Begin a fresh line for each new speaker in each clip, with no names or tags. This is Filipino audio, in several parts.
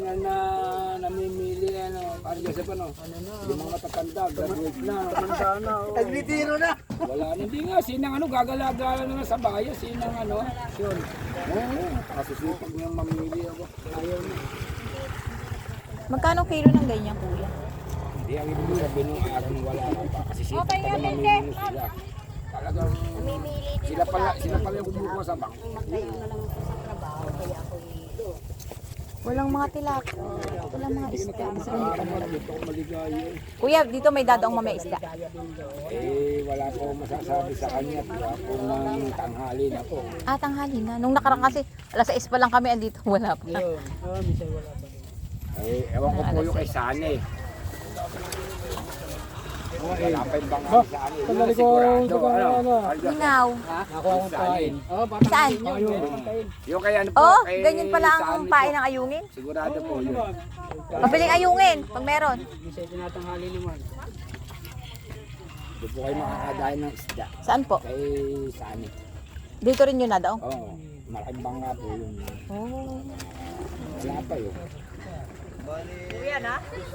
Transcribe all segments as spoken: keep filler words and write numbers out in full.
na na namimili ano, para Joseph ano, yung mga matatanda, graduate na, tumanda na. Oh.
Nagritiro na.
Wala na, hindi nga, sinang ano, gagalagala na sa bayan, sinang ano, yun. Oo, kasusipag niyang mamili ako, ayaw na.
Magkano kilo ng ganyan, kuya?
Hindi, ang ibig sabihin nung araw nung wala na pa, kasi sipag pa na mamili sila. Talagang, sila pala, sila pala yung kumukuha sa bank.
Walang mga tilapia. Walang mga isda.
Dito ako maligaya.
Kuya, dito may dadaong mamay isda.
Eh, wala po masasabi sa kanya. Wala po ng tanghali na po.
Ah, tanghali na. Nung nakarang kasi, alas sais pa lang kami andito. Wala pa.
Eh, ewan ko po yung kay Sane. Wala pa yung bangang Sane. Yun ang sigurado. Ano?
Minaw.
Nakuha kong pain.
Saan?
Yung kay ano po,
Oh,
kay
ganyan pala ang
Sane po.
pain ng ayungin.
Sigurado po yun.
Mabiling ayungin, pag meron.
Hindi siya tinatanghali naman.
Doon po kayo makakadahin ng isda.
Saan po?
Kay Sane.
Dito rin yun na daw.
Oo. Malaking banga po yun.
Oh.
Wala pa yun.
Kuya na?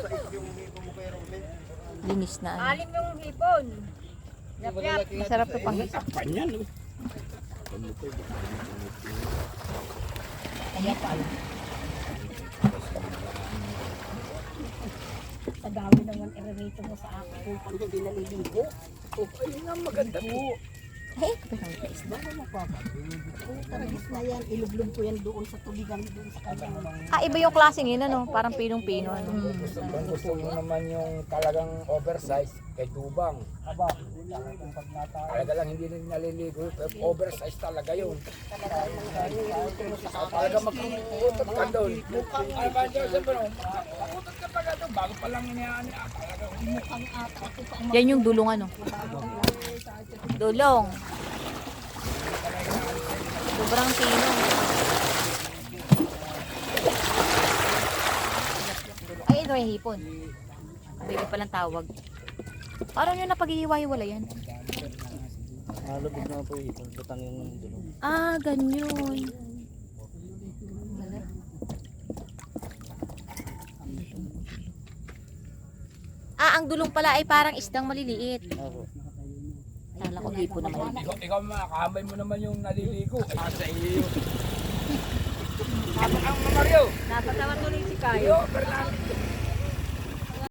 Linis na. Ano.
Alim yung hipon. Yap, yap.
Masarap to pang
Takpan yan. oh.
Padawi naman i-rate mo sa akin kung hindi naliligo.
Oh, ayun nga maganda po.
Hey, kapag ang isda.
Taragis na yan, ilublog ko yan doon sa tubigan doon sa kanyang.
Ah, iba yung klaseng yun, ano? Parang pinong-pino. Ano?
Kung gusto mo naman yung talagang oversize, kay Tubang. Aba, talaga lang hindi rin naliligo. Pero oversize talaga yun. Talaga magkukutot ka doon. Ay, ba, Joseph, ano? Magkukutot ka talaga doon. Bago pa lang iniyaan niya. Talaga mukhang ata.
Yan yung dulong, ano? Dulong. Sobrang pino. Ay, ito yung hipon. Baby palang tawag. Parang yun na pag-iiwa-iwala yan.
Malubog na po ito. Butang yung dulo.
Ah, ganyan. Ah, ang dulong pala ay parang isdang maliliit.
Ako.
Kala ko hipon naman.
Ikaw, ikaw makakahambay mo naman yung naliligo. Ay, sa iyo. Ang Mario.
Napatawa tuloy si Kayo.
Yo, Fernando.